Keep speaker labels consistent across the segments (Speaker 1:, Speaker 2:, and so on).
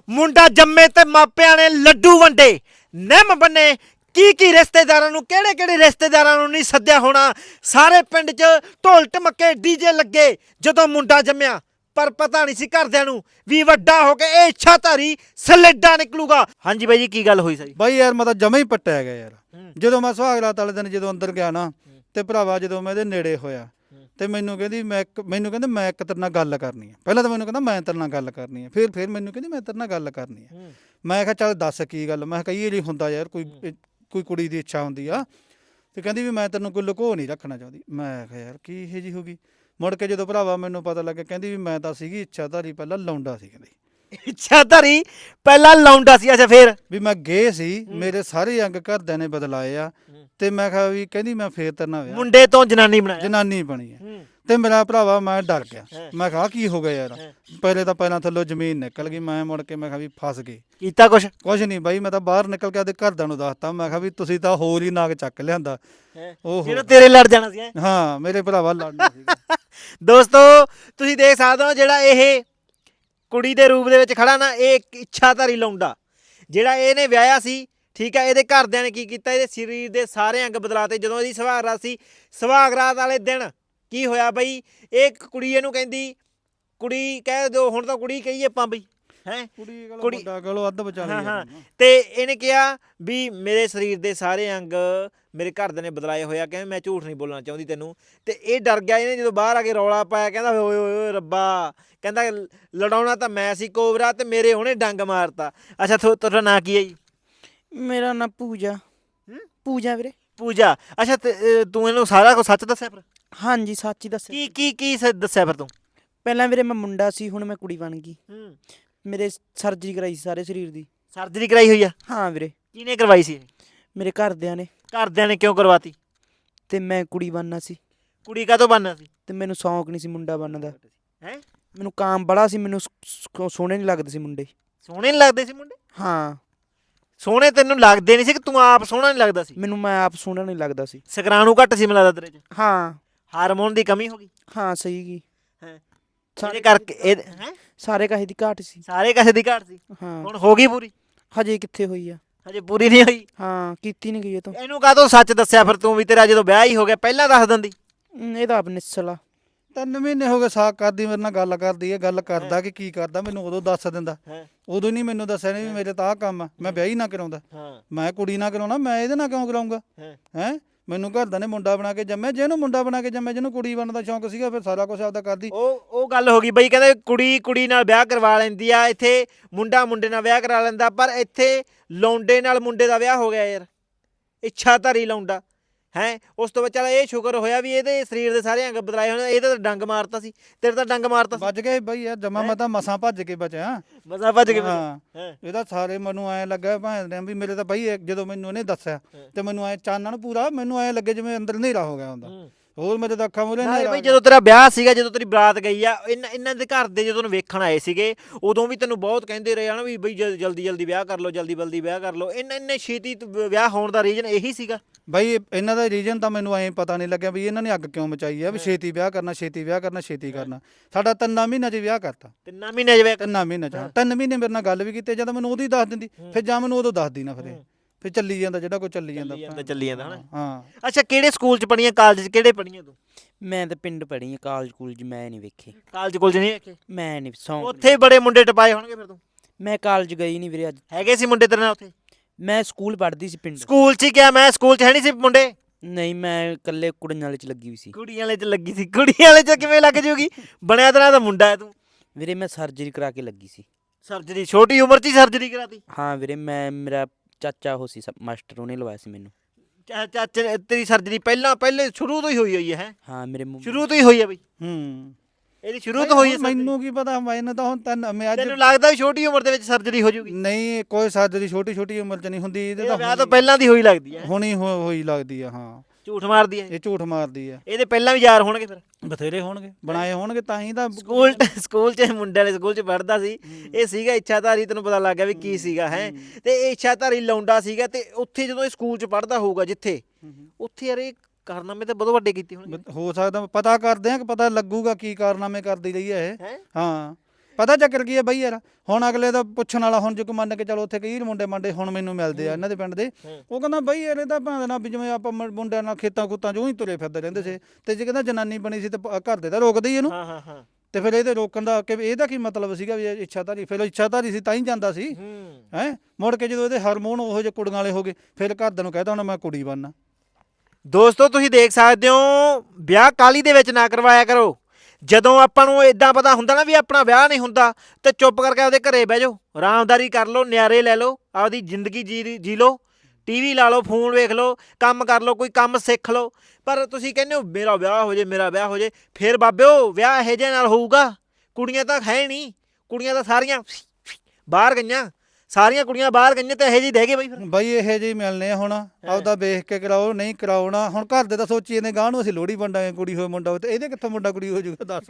Speaker 1: ਮੁੰਡਾ ਜੰਮੇ ਤੇ ਮਾਪਿਆਂ ਨੇ ਲੱਡੂ ਵੰਡੇ ਨਿੰਮ ਬੰਨੇ ਕੀ ਰਿਸ਼ਤੇਦਾਰਾਂ ਨੂੰ ਕਿਹੜੇ ਰਿਸ਼ਤੇਦਾਰਾਂ ਨੂੰ ਨਹੀਂ ਸੱਦਿਆ ਹੋਣਾ। ਸਾਰੇ ਪਿੰਡ 'ਚ ਢੋਲ ਢਮੱਕੇ ਡੀਜੇ ਲੱਗੇ ਜਦੋਂ ਮੁੰਡਾ ਜੰਮਿਆ, ਪਰ ਪਤਾ ਨਹੀਂ ਸੀ ਘਰਦਿਆਂ ਨੂੰ ਵੀ ਵੱਡਾ ਹੋ ਕੇ ਇਹ ਇੱਛਾਧਾਰੀ ਸਲੇਡਾ ਨਿਕਲੂਗਾ। ਹਾਂਜੀ ਬਾਈ ਜੀ, ਕੀ ਗੱਲ ਹੋਈ ਸੀ?
Speaker 2: ਬਾਈ ਯਾਰ ਮੈਂ ਤਾਂ ਜਮਾ ਹੀ ਪੱਟਿਆ ਗਿਆ ਯਾਰ। ਜਦੋਂ ਮੈਂ ਸੁਹਾਗ ਰਾਤ ਵਾਲੇ ਦਿਨ ਜਦੋਂ ਅੰਦਰ ਗਿਆ ਨਾ ਤੇ ਭਰਾਵਾ ਜਦੋਂ ਮੈਂ ਇਹਦੇ ਨੇੜੇ ਹੋਇਆ ਤੇ ਮੈਨੂੰ ਕਹਿੰਦੀ ਮੈਂ ਇੱਕ ਤੇਰੇ ਨਾਲ ਗੱਲ ਕਰਨੀ ਹੈ। ਪਹਿਲਾਂ ਤਾਂ ਮੈਨੂੰ ਕਹਿੰਦਾ ਮੈਂ ਤੇਰੇ ਨਾਲ ਗੱਲ ਕਰਨੀ ਹੈ, ਫਿਰ ਮੈਨੂੰ ਕਹਿੰਦੀ ਮੈਂ ਤੇਰੇ ਨਾਲ ਗੱਲ ਕਰਨੀ ਹੈ। ਮੈਂ ਕਿਹਾ ਚੱਲ ਦੱਸ ਕੀ ਗੱਲ। ਮੈਂ ਕਿਹਾ ਕਈ ਵਾਰੀ ਹੁੰਦਾ ਯਾਰ ਕੋਈ ਕੁੜੀ ਦੀ ਇੱਛਾ ਹੁੰਦੀ ਆ ਤੇ ਕਹਿੰਦੀ ਵੀ ਮੈਂ ਤੈਨੂੰ ਕੋਈ ਲੁਕੋ ਨਹੀਂ ਰੱਖਣਾ ਚਾਹੁੰਦੀ। ਮੈਂ ਕਿਹਾ ਯਾਰ ਕੀ ਇਹ ਜੀ ਹੋ ਗਈ। ਮੁੜ ਕੇ ਜਦੋਂ ਭਰਾਵਾ ਮੈਨੂੰ ਪਤਾ ਲੱਗਿਆ ਕਹਿੰਦੀ ਵੀ ਮੈਂ ਤਾਂ ਸੀਗੀ ਇੱਛਾਧਾਰੀ, ਪਹਿਲਾਂ ਲਾਉਂਦਾ ਸੀ। ਕਹਿੰਦੀ
Speaker 1: ਇੱਛਾਧਾਰੀ ਪਹਿਲਾਂ ਲਾਉਂਦਾ ਸੀ। ਅੱਛਾ ਫਿਰ
Speaker 2: ਵੀ ਮੈਂ ਗਏ ਸੀ, ਮੇਰੇ ਸਾਰੇ ਅੰਗ ਘਰਦਿਆਂ ਨੇ ਬਦਲਾਏ ਆ ਤੇ ਮੈਂ ਕਿਹਾ ਵੀ ਕਹਿੰਦੀ ਮੈਂ ਫੇਰ ਤੇਰੇ ਨਾਲ
Speaker 1: ਮੁੰਡੇ ਤੋਂ ਜਨਾਨੀ ਬਣਾਇਆ,
Speaker 2: ਜਨਾਨੀ ਬਣੀ ਹੈ। ਤੇ ਮੇਰਾ ਭਰਾਵਾ ਮੈਂ ਡਰ ਗਿਆ। ਮੈਂ ਕਿਹਾ ਕੀ ਹੋ ਗਿਆ ਯਾਰ। ਪਹਿਲਾਂ ਥੱਲੋਂ ਜ਼ਮੀਨ ਨਿਕਲ ਗਈ। ਮੈਂ ਮੁੜ ਕੇ ਮੈਂ ਕਿਹਾ ਵੀ ਫਸ ਗਏ।
Speaker 1: ਕੀਤਾ ਕੁਛ
Speaker 2: ਨਹੀਂ ਬਾਈ, ਮੈਂ ਤਾਂ ਬਾਹਰ ਨਿਕਲ ਕੇ ਆਪਦੇ ਘਰਦਿਆਂ ਨੂੰ ਦੱਸਤਾ। ਮੈਂ ਕਿਹਾ ਵੀ ਤੁਸੀਂ ਤਾਂ ਹੋਰ ਹੀ ਨਾਗ ਚੱਕ ਲਿਆਂਦਾ।
Speaker 1: ਜਿਹੜਾ ਤੇਰੇ ਲੜ ਜਾਣਾ ਸੀ।
Speaker 2: ਹਾਂ ਮੇਰੇ ਭਰਾਵਾ ਲੜਨਾ ਸੀਗਾ।
Speaker 1: ਦੋਸਤੋ ਤੁਸੀਂ ਦੇਖ ਸਕਦੇ ਹੋ ਜਿਹੜਾ ਇਹ ਕੁੜੀ ਦੇ ਰੂਪ ਦੇ ਵਿੱਚ ਖੜਾ ਨਾ, ਇਹ ਇੱਕ ਇੱਛਾਧਾਰੀ ਲੌਂਡਾ ਜਿਹੜਾ ਇਹਨੇ ਵਿਆਹਿਆ ਸੀ। ਠੀਕ ਹੈ, ਇਹਦੇ ਘਰਦਿਆਂ ਨੇ ਕੀ ਕੀਤਾ, ਇਹਦੇ ਸਰੀਰ ਦੇ ਸਾਰੇ ਅੰਗ ਬਦਲਾਤੇ। ਜਦੋਂ ਇਹਦੀ ਸੁਹਾਗ ਰਾਤ ਸੀ, ਸੁਹਾਗ ਰਾਤ ਵਾਲੇ ਦਿਨ ਕੀ ਹੋਇਆ ਬਈ, ਇਹ ਕੁੜੀ ਇਹਨੂੰ ਕਹਿੰਦੀ, ਕੁੜੀ ਕਹਿ ਦਿਓ ਹੁਣ ਤਾਂ ਕੁੜੀ ਕਹੀਏ ਆਪਾਂ ਬਈ, ਹੈਂ ਕੁੜੀ
Speaker 2: ਅੱਧ ਵਿਚਾਲੇ।
Speaker 1: ਹਾਂ ਤੇ ਇਹਨੇ ਕਿਹਾ ਵੀ ਮੇਰੇ ਸਰੀਰ ਦੇ ਸਾਰੇ ਅੰਗ ਮੇਰੇ ਘਰਦਿਆਂ ਨੇ ਬਦਲਾਏ ਹੋਇਆ। ਕਹਿੰਦੇ ਮੈਂ ਝੂਠ ਨਹੀਂ ਬੋਲਣਾ ਚਾਹੁੰਦੀ ਤੈਨੂੰ। ਤੇ ਇਹ ਡਰ ਗਿਆ। ਇਹਨੇ ਜਦੋਂ ਬਾਹਰ ਆ ਕੇ ਰੌਲਾ ਪਾਇਆ, ਕਹਿੰਦਾ ਓਏ ਓਏ ਓਏ ਰੱਬਾ, ਕਹਿੰਦਾ ਲੜਾਉਣਾ ਤਾਂ ਮੈਂ ਸੀ ਕੋਬਰਾ ਤੇ ਮੇਰੇ ਉਹਨੇ ਡੰਗ ਮਾਰਤਾ। ਅੱਛਾ ਤੁਹਾਡਾ ਨਾਂ ਕੀ ਹੈ ਜੀ?
Speaker 3: ਮੇਰਾ ਨਾਂ ਪੂਜਾ। ਪੂਜਾ ਵੀਰੇ।
Speaker 1: ਪੂਜਾ। ਅੱਛਾ ਤੂੰ ਇਹਨੂੰ ਸਾਰਾ ਕੁਝ ਸੱਚ ਦੱਸਿਆ ਫਿਰ?
Speaker 3: ਹਾਂਜੀ ਸੱਚ ਹੀ ਦੱਸਿਆ।
Speaker 1: ਕੀ ਦੱਸਿਆ ਫਿਰ ਤੂੰ?
Speaker 3: ਪਹਿਲਾਂ ਵੀਰੇ ਮੈਂ ਮੁੰਡਾ ਸੀ, ਹੁਣ ਮੈਂ ਕੁੜੀ ਬਣ ਗਈ। ਮੇਰੇ ਸਰਜਰੀ ਕਰਾਈ ਸੀ ਸਾਰੇ ਸਰੀਰ ਦੀ।
Speaker 1: ਸਰਜਰੀ ਕਰਾਈ ਹੋਈ ਆ?
Speaker 3: ਹਾਂ ਵੀਰੇ।
Speaker 1: ਕਿਹਨੇ ਕਰਵਾਈ ਸੀ?
Speaker 3: ਮੇਰੇ ਘਰਦਿਆਂ ਨੇ।
Speaker 1: ਘਰਦਿਆਂ ਨੇ ਕਿਉਂ ਕਰਵਾਤੀ?
Speaker 3: ਤੇ ਮੈਂ ਕੁੜੀ ਬਣਨਾ ਸੀ।
Speaker 1: ਕੁੜੀ ਕਾਹਤੋਂ ਬਣਨਾ ਸੀ?
Speaker 3: ਤੇ ਮੈਨੂੰ ਸ਼ੌਂਕ ਨਹੀਂ ਸੀ ਮੁੰਡਾ ਬਣਨ ਦਾ।
Speaker 1: ਹੈਂ?
Speaker 3: ਮੈਨੂੰ ਕਾਮ ਬੜਾ ਸੀ, ਮੈਨੂੰ ਸੋਹਣੇ ਨਹੀਂ ਲੱਗਦੇ ਸੀ ਮੁੰਡੇ।
Speaker 1: ਸੋਹਣੇ ਨਹੀਂ ਲੱਗਦੇ ਸੀ ਮੁੰਡੇ?
Speaker 3: ਹਾਂ।
Speaker 1: ਸੋਹਣੇ ਤੈਨੂੰ ਲੱਗਦੇ ਨਹੀਂ ਸੀ ਕਿ ਤੂੰ ਆਪ ਸੋਹਣਾ ਨਹੀਂ ਲੱਗਦਾ ਸੀ?
Speaker 3: ਮੈਂ ਆਪ ਸੋਹਣਾ ਨਹੀਂ ਲੱਗਦਾ ਸੀ।
Speaker 1: ਸ਼ੁਕਰਾਣੂ ਘੱਟ ਸੀ ਮੈਨੂੰ ਲੱਗਦਾ ਤੇਰੇ 'ਚ।
Speaker 3: ਹਾਂ।
Speaker 1: ਹਾਰਮੋਨ ਦੀ ਕਮੀ ਹੋ ਗਈ?
Speaker 3: ਹਾਂ ਸਹੀ ਗਈ।
Speaker 1: ਇਹਦੇ ਕਰਕੇ
Speaker 3: ਸਾਰੇ ਕਾਹੇ ਦੀ ਘਾਟ ਸੀ।
Speaker 1: ਸਾਰੇ ਕਾਸੇ ਦੀ ਘਾਟ ਸੀ।
Speaker 3: ਹਾਂ।
Speaker 1: ਹੁਣ ਹੋ ਗਈ ਪੂਰੀ?
Speaker 3: ਹਜੇ ਕਿੱਥੇ ਹੋਈ ਆ।
Speaker 1: ਹਜੇ ਪੂਰੀ ਨਹੀਂ ਹੋਈ?
Speaker 3: ਹਾਂ ਕੀਤੀ ਨਹੀਂ ਗਈ ਇਹ ਤੋਂ।
Speaker 1: ਇਹਨੂੰ ਕਾਹਤੋਂ ਸੱਚ ਦੱਸਿਆ ਫਿਰ ਤੂੰ ਵੀ ਤੇਰਾ ਜਦੋਂ ਵਿਆਹ ਹੀ ਹੋ ਗਿਆ? ਪਹਿਲਾਂ ਦੱਸ ਦਿੰਦੀ।
Speaker 3: ਇਹ ਤਾਂ ਆਪ ਨਿਸਲਾ।
Speaker 2: 3 ਮਹੀਨੇ ਹੋ ਗਏ ਸਾਕ ਕਰਦੀ ਮੇਰੇ ਨਾਲ ਗੱਲ ਕਰਦੀ ਹੈ। ਗੱਲ ਕਰਦਾ ਕਿ ਕੀ ਕਰਦਾ ਮੈਨੂੰ ਉਦੋਂ ਦੱਸ ਦਿੰਦਾ। ਉਦੋਂ ਨਹੀਂ ਮੈਨੂੰ ਦੱਸਿਆ ਨਹੀਂ ਵੀ ਮੇਰੇ ਤਾਂ ਆਹ ਕੰਮ ਆ, ਮੈਂ ਵਿਆਹ ਹੀ ਨਾ ਕਰਾਉਂਦਾ। ਮੈਂ ਕੁੜੀ ਨਾ ਕਰਾਉਣਾ, ਮੈਂ ਇਹਦੇ ਨਾਲ ਕਿਉਂ ਕਰਾਉਂਗਾ? ਮੈਨੂੰ ਘਰਦਿਆਂ ਨੇ ਮੁੰਡਾ ਬਣਾ ਕੇ ਜੰਮਿਆ। ਜਿਹਨੂੰ ਮੁੰਡਾ ਬਣਾ ਕੇ ਜੰਮਿਆ, ਜਿਹਨੂੰ ਕੁੜੀ ਬਣਨ ਦਾ ਸ਼ੌਂਕ ਸੀਗਾ, ਫਿਰ ਸਾਰਾ ਕੁਝ ਆਪਦਾ ਕਰਦੀ।
Speaker 1: ਉਹ ਗੱਲ ਹੋ ਗਈ ਬਈ, ਕਹਿੰਦੇ ਕੁੜੀ ਨਾਲ ਵਿਆਹ ਕਰਵਾ ਲੈਂਦੀ ਆ। ਇੱਥੇ ਮੁੰਡਾ ਮੁੰਡੇ ਨਾਲ ਵਿਆਹ ਕਰਾ ਲੈਂਦਾ, ਪਰ ਇੱਥੇ ਲੌਂਡੇ ਨਾਲ ਮੁੰਡੇ ਦਾ ਵਿਆਹ ਹੋ ਗਿਆ ਯਾਰ। ਇੱਛਾਧਾਰੀ ਲੌਂਡਾ ਹੈਂ। ਉਸ ਤੋਂ ਬਾਅਦ ਚੱਲ ਇਹ ਸ਼ੁਕਰ ਹੋਇਆ ਵੀ ਇਹਦੇ ਸਰੀਰ ਦੇ ਸਾਰੇ ਅੰਗ ਬਦਲਾਏ ਹੋਣੇ। ਇਹਦਾ ਤਾਂ ਡੰਗ ਮਾਰਤਾ ਸੀ, ਤੇਰੇ ਤਾਂ ਡੰਗ ਮਾਰਤਾ ਸੀ।
Speaker 2: ਬਚ ਗਏ ਬਈ ਯਾਰ ਜਮਾ। ਮੈਂ ਤਾਂ ਮਸਾਂ ਭੱਜ ਕੇ ਬਚਿਆ।
Speaker 1: ਮਸਾਂ ਭੱਜ ਕੇ?
Speaker 2: ਹਾਂ। ਇਹਦਾ ਸਾਰੇ ਮੈਨੂੰ ਐਂ ਲੱਗਾ ਭਾਂ ਵੀ ਮੇਰੇ ਤਾਂ ਬਈ ਜਦੋਂ ਮੈਨੂੰ ਇਹਨੇ ਦੱਸਿਆ ਤੇ ਮੈਨੂੰ ਐਂ ਚਾਨਣ ਪੂਰਾ, ਮੈਨੂੰ ਐਂ ਲੱਗੇ ਜਿਵੇਂ ਅੰਦਰ ਹਨੇਰਾ ਹੋ ਗਿਆ ਹੁੰਦਾ। ਹੋਰ ਮੇਰੇ ਤਾਂ ਅੱਖਾਂ ਮੂਹਰੇ ਹਨੇਰਾ।
Speaker 1: ਬਈ ਜਦੋਂ ਤੇਰਾ ਵਿਆਹ ਸੀਗਾ, ਜਦੋਂ ਤੇਰੀ ਬਰਾਤ ਗਈ ਆ, ਇਹਨਾਂ ਦੇ ਘਰ ਦੇ ਜਦੋਂ ਵੇਖਣ ਆਏ ਸੀਗੇ, ਉਦੋਂ ਵੀ ਤੈਨੂੰ ਬਹੁਤ ਕਹਿੰਦੇ ਰਹੇ ਨਾ ਵੀ ਬਈ ਜਲਦੀ ਵਿਆਹ ਕਰ ਲਓ, ਜਲਦੀ ਵਿਆਹ ਕਰ ਲਓ। ਇੰਨੇ ਛੇਤੀ ਵਿਆਹ ਹੋਣ ਦਾ ਰੀਜ਼ਨ ਇਹੀ ਸੀਗਾ?
Speaker 2: ਬਈ ਇਹਨਾਂ ਦਾ ਰੀਜ਼ਨ ਤਾਂ ਮੈਨੂੰ ਐਂ ਪਤਾ ਨਹੀਂ ਲੱਗਿਆ ਵੀ ਇਹਨਾਂ ਨੇ ਅੱਗ ਕਿਉਂ ਮਚਾਈ ਆ ਵੀ ਛੇਤੀ ਵਿਆਹ ਕਰਨਾ। ਸਾਡਾ 3 ਮਹੀਨਿਆਂ 'ਚ ਵਿਆਹ ਕਰਤਾ।
Speaker 1: 3 ਮਹੀਨੇ 'ਚ ਵਿਆਹ?
Speaker 2: 3 ਮਹੀਨਿਆਂ 'ਚ। 3 ਮਹੀਨੇ ਮੇਰੇ ਨਾਲ ਗੱਲ ਵੀ ਕੀਤੀ, ਜਾਂ ਮੈਨੂੰ ਉਹਦੀ ਦੱਸ ਦਿੰਦੀ, ਫਿਰ ਜਾਂ ਮੈਨੂੰ ਉਦੋਂ ਦੱਸਦੀ ਨਾ। ਫਿਰ ਚੱਲੀ ਜਾਂਦਾ ਜਿਹੜਾ ਕੋਈ ਚੱਲੀ ਜਾਂਦਾ
Speaker 1: ਹਨਾ।
Speaker 2: ਹਾਂ।
Speaker 1: ਅੱਛਾ ਕਿਹੜੇ ਸਕੂਲ 'ਚ ਪੜ੍ਹੀਆਂ? ਕਾਲਜ 'ਚ ਕਿਹੜੇ ਪੜ੍ਹੀਆਂ ਤੂੰ?
Speaker 3: ਮੈਂ ਤਾਂ ਪਿੰਡ ਪੜ੍ਹੀ ਆ, ਕਾਲਜ ਕੂਲਜ ਮੈਂ ਨਹੀਂ ਵੇਖੇ।
Speaker 1: ਕਾਲਜ ਕੋਲ ਨਹੀਂ ਵੇਖੇ?
Speaker 3: ਮੈਂ ਨਹੀਂ ਸੌਂਕ।
Speaker 1: ਉੱਥੇ ਬੜੇ ਮੁੰਡੇ ਟਪਾਏ ਹੋਣਗੇ ਫਿਰ ਤੂੰ?
Speaker 3: ਮੈਂ ਕਾਲਜ ਗਈ ਨਹੀਂ ਵੀਰੇ। ਅੱਜ
Speaker 1: ਹੈਗੇ ਸੀ ਮੁੰਡੇ ਤੇਰੇ ਨਾਲ ਉੱਥੇ?
Speaker 3: ਮੈਂ ਸਕੂਲ ਪੜ੍ਹਦੀ ਸੀ ਪਿੰਡ।
Speaker 1: ਸਕੂਲ 'ਚ ਕਿਹਾ ਮੈਂ, ਸਕੂਲ 'ਚ ਹੈ ਨਹੀਂ ਸੀ ਮੁੰਡੇ?
Speaker 3: ਨਹੀਂ ਮੈਂ ਇਕੱਲੇ ਕੁੜੀਆਂ ਵਾਲੇ 'ਚ ਲੱਗੀ ਹੋਈ ਸੀ।
Speaker 1: ਕੁੜੀਆਂ ਵਾਲੇ 'ਚ ਲੱਗੀ ਸੀ? ਕੁੜੀਆਂ ਵਾਲੇ 'ਚ ਕਿਵੇਂ ਲੱਗ ਜੂਗੀ? ਬਣਿਆ ਤੇਰਾ ਤਾਂ ਮੁੰਡਾ ਹੈ ਤੂੰ।
Speaker 3: ਵੀਰੇ ਮੈਂ ਸਰਜਰੀ ਕਰਾ ਕੇ ਲੱਗੀ ਸੀ।
Speaker 1: ਸਰਜਰੀ? ਛੋਟੀ ਉਮਰ 'ਚ ਹੀ ਸਰਜਰੀ ਕਰਾਤੀ?
Speaker 3: ਹਾਂ ਵੀਰੇ। ਮੇਰਾ ਚਾਚਾ ਉਹ ਸੀ ਮਾਸਟਰ, ਉਹਨੇ ਲਵਾਇਆ ਸੀ ਮੈਨੂੰ।
Speaker 1: ਚਾਚੇ ਤੇਰੀ ਸਰਜਰੀ ਪਹਿਲੇ ਸ਼ੁਰੂ ਤੋਂ ਹੀ ਹੋਈ ਹੈ?
Speaker 3: ਹਾਂ ਮੇਰੇ
Speaker 1: ਸ਼ੁਰੂ ਤੋਂ ਹੀ ਹੋਈ ਹੈ ਬਈ? ਇਹਦੀ ਸ਼ੁਰੂ ਤੋਂ ਹੋਈ ਹੈ?
Speaker 2: ਮੈਨੂੰ ਕੀ ਪਤਾ, ਮੈਨੂੰ ਤਾਂ ਹੁਣ
Speaker 1: ਤੈਨੂੰ ਲੱਗਦਾ ਵੀ ਛੋਟੀ ਉਮਰ ਦੇ ਵਿੱਚ ਸਰਜਰੀ ਹੋ ਜੂਗੀ?
Speaker 2: ਨਹੀਂ, ਕੋਈ ਸਰਜਰੀ ਛੋਟੀ ਉਮਰ 'ਚ ਨਹੀਂ ਹੁੰਦੀ। ਇਹਦੇ ਤਾਂ
Speaker 1: ਵਿਆਹ ਤੋਂ ਪਹਿਲਾਂ ਦੀ ਹੋਈ ਲੱਗਦੀ ਹੈ।
Speaker 2: ਹੁਣੀ ਹੋਈ ਲੱਗਦੀ ਆ। ਹਾਂ।
Speaker 1: ਝੂਠ ਮਾਰਦੀ ਹੈ
Speaker 2: ਇਹ? ਝੂਠ ਮਾਰਦੀ ਆ।
Speaker 1: ਇਹਦੇ ਪਹਿਲਾਂ ਵੀ ਯਾਰ ਹੋਣਗੇ ਫਿਰ?
Speaker 2: ਬਥੇਰੇ ਹੋਣਗੇ, ਬਣਾਏ ਹੋਣਗੇ ਤਾਂ ਹੀ ਤਾਂ।
Speaker 1: ਸਕੂਲ 'ਚ ਮੁੰਡੇ ਵਾਲੇ ਸਕੂਲ 'ਚ ਪੜ੍ਹਦਾ ਸੀ। ਇਹ ਸੀਗਾ ਇੱਛਾਧਾਰੀ, ਤੈਨੂੰ ਪਤਾ ਲੱਗ ਗਿਆ ਵੀ ਕੀ ਸੀਗਾ ਹੈ। ਤੇ ਇਹ ਇੱਛਾਧਾਰੀ ਲੌਂਡਾ ਸੀਗਾ। ਤੇ ਉੱਥੇ ਜਦੋਂ ਇਹ ਸਕੂਲ 'ਚ ਪੜ੍ਹਦਾ ਹੋਊਗਾ ਜਿੱਥੇ, ਉੱਥੇ ਯਾਰ ਇਹ ਕਾਰਨਾਮੇ ਤਾਂ ਬਹੁਤ ਵੱਡੇ ਕੀਤੇ ਹੋਣਗੇ।
Speaker 2: ਹੋ ਸਕਦਾ, ਪਤਾ ਕਰਦੇ ਆ ਕਿ ਪਤਾ ਲੱਗੂਗਾ ਕੀ ਕਾਰਨਾਮੇ ਕਰਦੀ ਰਹੀ ਹੈ ਇਹ। ਹਾਂ। ਪਤਾ ਚੱਕਰ ਕੀ ਹੈ ਬਾਈ ਯਾਰ, ਹੁਣ ਅਗਲੇ ਦਾ ਪੁੱਛਣ ਵਾਲਾ, ਹੁਣ ਜੇ ਕੋਈ ਮੰਨ ਕੇ ਚਲੋ ਉੱਥੇ ਕਈ ਮੁੰਡੇ ਮੰਡੇ ਹੁਣ ਮੈਨੂੰ ਮਿਲਦੇ ਆ ਇਹਨਾਂ ਦੇ ਪਿੰਡ ਦੇ, ਉਹ ਕਹਿੰਦਾ ਬਾਈ ਯਾਰ ਇਹਦਾ ਭਾਵੇਂ ਨਾ ਵੀ ਜਿਵੇਂ ਆਪਾਂ ਮੁੰਡਿਆਂ ਨਾਲ ਖੇਤਾਂ ਖੂਤਾਂ 'ਚ ਉਹੀ ਤੁਰੇ ਫਿਰਦੇ ਰਹਿੰਦੇ ਸੀ, ਤੇ ਜੇ ਕਹਿੰਦਾ ਜਨਾਨੀ ਬਣੀ ਸੀ ਤੇ ਘਰ ਦੇ ਤਾਂ ਰੋਕਦੇ ਹੀ ਇਹਨੂੰ।
Speaker 1: ਹਾਂ ਹਾਂ ਹਾਂ।
Speaker 2: ਤੇ ਫਿਰ ਇਹਦੇ ਰੋਕਣ ਦਾ ਕਿ ਇਹਦਾ ਕੀ ਮਤਲਬ ਸੀਗਾ ਵੀ ਇਹ ਇੱਛਾਧਾਰੀ, ਫਿਰ ਇੱਛਾਧਾਰੀ ਸੀ ਤਾਂ ਹੀ ਜਾਂਦਾ ਸੀ ਹੈ। ਮੁੜ ਕੇ ਜਦੋਂ ਇਹਦੇ ਹਾਰਮੋਨ ਉਹੋ ਜਿਹੇ ਕੁੜੀਆਂ ਵਾਲੇ ਹੋ ਗਏ, ਫਿਰ ਘਰਦਿਆਂ ਨੂੰ ਕਹਿਤਾ ਹੁਣ ਮੈਂ ਕੁੜੀ ਬਣਨਾ।
Speaker 1: ਦੋਸਤੋ ਤੁਸੀਂ ਦੇਖ ਸਕਦੇ ਹੋ, ਵਿਆਹ ਕਾਲੀ ਦੇ ਵਿੱਚ ਨਾ ਕਰਵਾਇਆ ਕਰੋ। ਜਦੋਂ ਆਪਾਂ ਨੂੰ ਇਦਾਂ ਪਤਾ ਹੁੰਦਾ ਨਾ ਵੀ ਆਪਣਾ ਵਿਆਹ ਨਹੀਂ ਹੁੰਦਾ, ਤੇ ਚੁੱਪ ਕਰਕੇ ਆਪਦੇ ਘਰੇ ਬਹਿ ਜਾਓ, ਆਰਾਮਦਾਰੀ ਕਰ ਲਓ, ਨਿਆਰੇ ਲੈ ਲਓ, ਆਪਦੀ ਜ਼ਿੰਦਗੀ ਜੀ ਲਓ, ਟੀਵੀ ਲਾ ਲਓ, ਫੋਨ ਵੇਖ ਲਓ, ਕੰਮ ਕਰ ਲਓ, ਕੋਈ ਕੰਮ ਸਿੱਖ ਲਓ। ਪਰ ਤੁਸੀਂ ਕਹਿੰਦੇ ਹੋ ਮੇਰਾ ਵਿਆਹ ਹੋ ਜੇ, ਮੇਰਾ ਵਿਆਹ ਹੋ ਜੇ, ਫਿਰ ਬਾਬਿਓ ਵਿਆਹ ਇਹੋ ਜਿਹੇ ਨਾਲ ਹੋਊਗਾ। ਕੁੜੀਆਂ ਤਾਂ ਹੈ ਨਹੀਂ, ਕੁੜੀਆਂ ਤਾਂ ਸਾਰੀਆਂ ਬਾਹਰ ਗਈਆਂ, ਸਾਰੀਆਂ ਕੁੜੀਆਂ ਬਾਹਰ ਗਈਆਂ ਤੇ ਇਹੋ ਜਿਹੇ ਰਹਿ ਗਏ ਬਈ। ਫਿਰ
Speaker 2: ਬਾਈ ਇਹੋ ਜਿਹੇ ਮਿਲਨੇ ਆ ਹੁਣ, ਆਪਦਾ ਵੇਖ ਕੇ ਕਰਾਓ, ਨਹੀਂ ਕਰਾਉਣਾ। ਹੁਣ ਘਰ ਦੇ ਤਾਂ ਸੋਚੀ ਜਾਂਦੇ ਗਾਹ ਨੂੰ ਅਸੀਂ ਲੋਹੜੀ ਵੰਡਾਂਗੇ, ਕੁੜੀ ਹੋਏ ਮੁੰਡਾ ਹੋਏ, ਤੇ ਇਹਦੇ ਕਿੱਥੋਂ ਮੁੰਡਾ ਕੁੜੀ ਹੋ ਜਾਊਗਾ ਦੱਸ।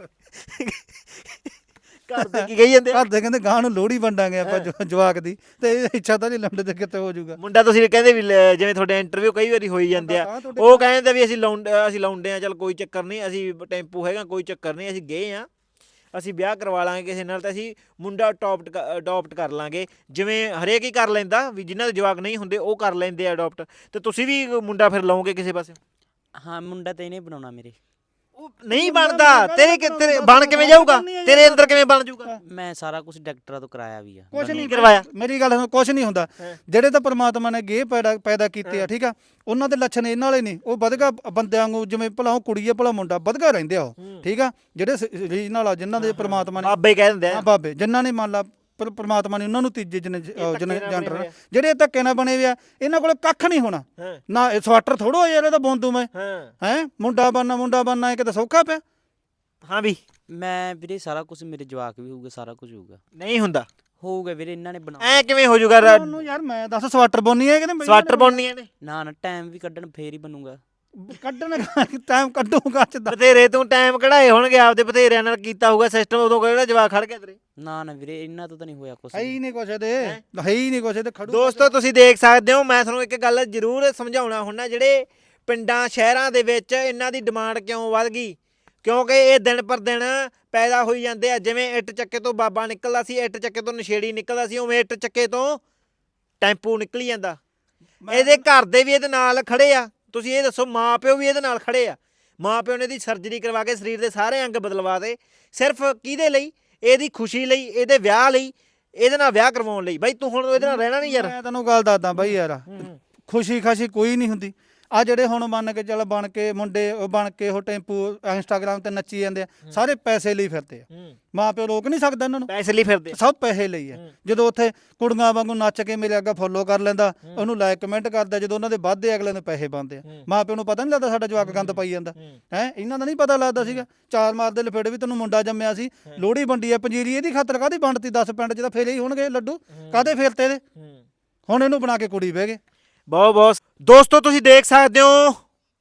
Speaker 1: ਘਰ ਦੇ ਕੀ ਕਹੀ ਜਾਂਦੇ ਆ?
Speaker 2: ਘਰ ਦੇ ਕਹਿੰਦੇ ਗਾਹ ਨੂੰ ਲੋਹੜੀ ਵੰਡਾਂਗੇ ਆਪਾਂ ਜਵਾਕ ਦੀ, ਤੇ ਇਹ ਇੱਛਾ ਤਾਂ ਨਹੀਂ ਲੰਡੇ ਤੇ ਕਿੱਥੇ ਹੋ ਜਾਊਗਾ।
Speaker 1: ਮੁੰਡਾ ਤੁਸੀਂ ਕਹਿੰਦੇ ਵੀ ਜਿਵੇਂ ਤੁਹਾਡੇ ਇੰਟਰਵਿਊ ਕਈ ਵਾਰੀ ਹੋਈ ਜਾਂਦੇ ਆ, ਉਹ ਕਹਿੰਦੇ ਵੀ ਅਸੀਂ ਲਾਉਂਦੇ ਆ, ਚੱਲ ਕੋਈ ਚੱਕਰ ਨਹੀਂ, ਅਸੀਂ ਟੈਂਪੂ ਹੈਗਾ, ਕੋਈ ਚੱਕਰ ਨਹੀਂ, ਅਸੀਂ ਗਏ ਆ, ਅਸੀਂ ਵਿਆਹ ਕਰਵਾ ਲਾਂਗੇ ਕਿਸੇ ਨਾਲ, ਤਾਂ ਅਸੀਂ ਮੁੰਡਾ ਅਡਾਪਟ ਕਰ ਲਾਂਗੇ। ਜਿਵੇਂ ਹਰੇਕ ਹੀ ਕਰ ਲੈਂਦਾ, ਵੀ ਜਿਨ੍ਹਾਂ ਦੇ ਜਵਾਕ ਨਹੀਂ ਹੁੰਦੇ ਉਹ ਕਰ ਲੈਂਦੇ ਆ ਅਡਾਪਟ, ਤੇ ਤੁਸੀਂ ਵੀ ਮੁੰਡਾ ਫਿਰ ਲਾਓਗੇ ਕਿਸੇ ਪਾਸੇ?
Speaker 3: ਹਾਂ ਮੁੰਡਾ ਤਾਂ ਇਹਨੇ ਬਣਾਉਣਾ ਮੇਰੇ।
Speaker 1: ਉਹ ਨਹੀਂ ਬਣਦਾ, ਤੇਰੇ ਬਣ ਕਿਵੇਂ ਜਾਊਗਾ, ਤੇਰੇ ਅੰਦਰ ਕਿਵੇਂ ਬਣ ਜਾਊਗਾ?
Speaker 3: ਮੈਂ ਸਾਰਾ ਕੁਝ ਡਾਕਟਰਾਂ ਤੋਂ ਕਰਾਇਆ ਵੀ ਆ।
Speaker 2: ਕੁਛ ਨਹੀਂ
Speaker 1: ਕਰਵਾਇਆ?
Speaker 2: ਮੇਰੀ ਗੱਲ ਸੁਣ, ਕੁਛ ਨਹੀਂ ਹੁੰਦਾ। ਜਿਹੜੇ ਤਾਂ ਪਰਮਾਤਮਾ ਨੇ ਗੇ ਪੈਦਾ ਕੀਤੇ ਆ, ਠੀਕ ਆ, ਉਹਨਾਂ ਦੇ ਲੱਛਣ ਇਹਨਾਂ ਵਾਲੇ ਨਹੀਂ। ਉਹ ਵਧਗਾ ਬੰਦਿਆਂ ਵਾਂਗੂ, ਜਿਵੇਂ ਭਲਾ ਉਹ ਕੁੜੀ ਆ ਭਲਾ ਮੁੰਡਾ, ਵਧਗਾ ਰਹਿੰਦੇ ਆ ਉਹ, ਠੀਕ ਆ। ਜਿਹੜੇ ਰੀਜਨਲ ਆ, ਜਿਨ੍ਹਾਂ ਦੇ ਪਰਮਾਤਮਾ ਨੇ
Speaker 1: ਬਾਬੇ ਕਹਿ ਦਿੰਦੇ ਆ,
Speaker 2: ਬਾਬੇ ਜਿਨ੍ਹਾਂ ਨੇ ਮੰਨ ਲਾ ਪਰਮਾਤਮਾ ਨੇ ਉਹਨਾਂ ਨੂੰ ਤੀਜੇ ਜਨਰ, ਜਿਹੜੇ ਧੱਕੇ ਨਾਲ ਬਣੇ ਵੇ ਆ, ਇਹਨਾਂ ਕੋਲ ਕੱਖ ਨਹੀਂ ਹੋਣਾ ਨਾ। ਇਹ ਸਵਾਟਰ ਥੋੜੋ ਯਾਰ, ਇਹਦਾ ਬੋਂਦੂ ਮੈਂ ਹੈ ਮੁੰਡਾ ਬਣਨਾ ਇਹ ਕਿਤੇ ਸੌਖਾ ਪਿਆ।
Speaker 1: ਹਾਂ ਵੀ
Speaker 3: ਮੈਂ ਵੀਰੇ ਸਾਰਾ ਕੁਝ, ਮੇਰੇ ਜਵਾਕ ਵੀ ਹੋਊਗਾ, ਸਾਰਾ ਕੁਝ ਹੋਊਗਾ।
Speaker 1: ਨਹੀਂ ਹੁੰਦਾ,
Speaker 3: ਹੋਊਗਾ ਵੀਰੇ, ਇਹਨਾਂ ਨੇ ਬਣਾ।
Speaker 1: ਐ ਕਿਵੇਂ ਹੋ ਜਾਊਗਾ?
Speaker 2: ਉਹਨੂੰ ਯਾਰ ਮੈਂ ਦੱਸ, ਸਵਾਟਰ ਬੁਣਨੀ ਹੈ ਕਿ
Speaker 1: ਸਵਾਟਰ ਬੁਣਨੀਆਂ ਨੇ?
Speaker 3: ਨਾ ਟਾਈਮ ਵੀ ਕੱਢਣ ਫੇਰ ਹੀ ਬਣੂਗਾ।
Speaker 2: ਕੱਢਣ ਟਾਈਮ ਕੱਢੂਗਾ ਚ
Speaker 1: ਬਥੇਰੇ ਤੂੰ ਟਾਈਮ ਕਢਾਏ ਹੋਣਗੇ, ਆਪਦੇ ਬਥੇਰਿਆਂ ਨਾਲ ਕੀਤਾ ਹੋਊਗਾ ਸਿਸਟਮ, ਉਦੋਂ ਕਿਹੜਾ ਜਵਾਕ ਖੜ ਗਿਆ ਤੇਰੇ?
Speaker 3: ਨਾ ਵੀਰੇ, ਇਹਨਾਂ ਤੋਂ ਤਾਂ ਨਹੀਂ ਹੋਇਆ ਕੁਛ।
Speaker 2: ਹੈ ਹੀ ਨਹੀਂ ਕੁਛ ਇਹਦੇ, ਹੈ ਹੀ ਨਹੀਂ ਕੁਛ ਇਹਦੇ ਖੜੂ।
Speaker 1: ਦੋਸਤੋ ਤੁਸੀਂ ਦੇਖ ਸਕਦੇ ਹੋ, ਮੈਂ ਤੁਹਾਨੂੰ ਇੱਕ ਗੱਲ ਜ਼ਰੂਰ ਸਮਝਾਉਣਾ ਹੁੰਦਾ, ਜਿਹੜੇ ਪਿੰਡਾਂ ਸ਼ਹਿਰਾਂ ਦੇ ਵਿੱਚ ਇਹਨਾਂ ਦੀ ਡਿਮਾਂਡ ਕਿਉਂ ਵੱਧ ਗਈ, ਕਿਉਂਕਿ ਇਹ ਦਿਨ ਪਰ ਦਿਨ ਪੈਦਾ ਹੋਈ ਜਾਂਦੇ ਆ। ਜਿਵੇਂ ਇੱਟ ਚੱਕੇ ਤੋਂ ਬਾਬਾ ਨਿਕਲਦਾ ਸੀ, ਇੱਟ ਚੱਕੇ ਤੋਂ ਨਸ਼ੇੜੀ ਨਿਕਲਦਾ ਸੀ, ਉਵੇਂ ਇੱਟ ਚੱਕੇ ਤੋਂ ਟੈਂਪੂ ਨਿਕਲੀ ਜਾਂਦਾ। ਇਹਦੇ ਘਰ ਦੇ ਵੀ ਇਹਦੇ ਨਾਲ ਖੜੇ ਆ। ਤੁਸੀਂ ਇਹ ਦੱਸੋ, ਮਾਂ ਪਿਓ ਵੀ ਇਹਦੇ ਨਾਲ ਖੜੇ ਆ। ਮਾਂ ਪਿਓ ਨੇ ਇਹਦੀ ਸਰਜਰੀ ਕਰਵਾ ਕੇ ਸਰੀਰ ਦੇ ਸਾਰੇ ਅੰਗ ਬਦਲਵਾ ਦੇ, ਸਿਰਫ ਕਿਹਦੇ ਲਈ? ਇਹਦੀ ਖੁਸ਼ੀ ਲਈ, ਇਹਦੇ ਵਿਆਹ ਲਈ, ਇਹਦੇ ਨਾਲ ਵਿਆਹ ਕਰਵਾਉਣ ਲਈ। ਬਾਈ ਤੂੰ ਹੁਣ ਇਹਦੇ ਨਾਲ ਰਹਿਣਾ ਨਹੀਂ ਯਾਰ।
Speaker 2: ਮੈਂ ਤੈਨੂੰ ਗੱਲ ਦੱਸਦਾ ਬਾਈ ਯਾਰ, ਖੁਸ਼ੀ ਖਾਸ਼ੀ ਕੋਈ ਨਹੀਂ ਹੁੰਦੀ। ਆ ਜਿਹੜੇ ਹੁਣ ਮੰਨ ਕੇ ਚੱਲ ਬਣ ਕੇ ਮੁੰਡੇ ਬਣ ਕੇ ਉਹ ਟੈਂਪੂ ਇੰਸਟਾਗ੍ਰਾਮ ਤੇ ਨੱਚੀ ਜਾਂਦੇ ਆ, ਸਾਰੇ ਪੈਸੇ ਲਈ ਫਿਰਦੇ ਆ। ਮਾਂ ਪਿਓ ਰੋਕ ਨਹੀਂ ਸਕਦਾ ਇਹਨਾਂ ਨੂੰ,
Speaker 1: ਪੈਸੇ ਲਈ ਫਿਰਦੇ,
Speaker 2: ਸਭ ਪੈਸੇ ਲਈ ਆ। ਜਦੋਂ ਉੱਥੇ ਕੁੜੀਆਂ ਵਾਂਗੂ ਨੱਚ ਕੇ ਮੇਰੇ ਅੱਗਾ ਫੋਲੋ ਕਰ ਲੈਂਦਾ, ਉਹਨੂੰ ਲਾਈਕ ਕਮੈਂਟ ਕਰਦਾ, ਜਦੋਂ ਉਹਨਾਂ ਦੇ ਵੱਧਦੇ ਅਗਲੇ ਨੂੰ ਪੈਸੇ ਬਣਦੇ ਆ। ਮਾਂ ਪਿਓ ਨੂੰ ਪਤਾ ਨਹੀਂ ਲੱਗਦਾ ਸਾਡਾ ਜਵਾਕ ਗੰਦ ਪਾਈ ਜਾਂਦਾ ਹੈ। ਇਹਨਾਂ ਦਾ ਨਹੀਂ ਪਤਾ ਲੱਗਦਾ ਸੀਗਾ, ਚਾਰ ਮਾਰਦੇ ਲਫੇੜੇ ਵੀ ਤੈਨੂੰ ਮੁੰਡਾ ਜੰਮਿਆ ਸੀ, ਲੋਹੜੀ ਵੰਡੀ ਆ ਪੰਜੀਰੀ, ਇਹਦੀ ਖਾਤਰ ਕਾਹਦੀ ਵੰਡਤੀ? 10 ਪਿੰਡ 'ਚ ਤਾਂ ਫੇਰੇ ਹੀ ਹੋਣਗੇ ਲੱਡੂ, ਕਾਹਦੇ ਫੇਰਤੇ ਇਹਦੇ? ਹੁਣ ਇਹਨੂੰ ਬਣਾ ਕੇ ਕੁੜੀ ਬਹਿ ਗਏ।
Speaker 1: ਬਹੁਤ ਦੋਸਤੋ ਤੁਸੀਂ ਦੇਖ ਸਕਦੇ ਹੋ,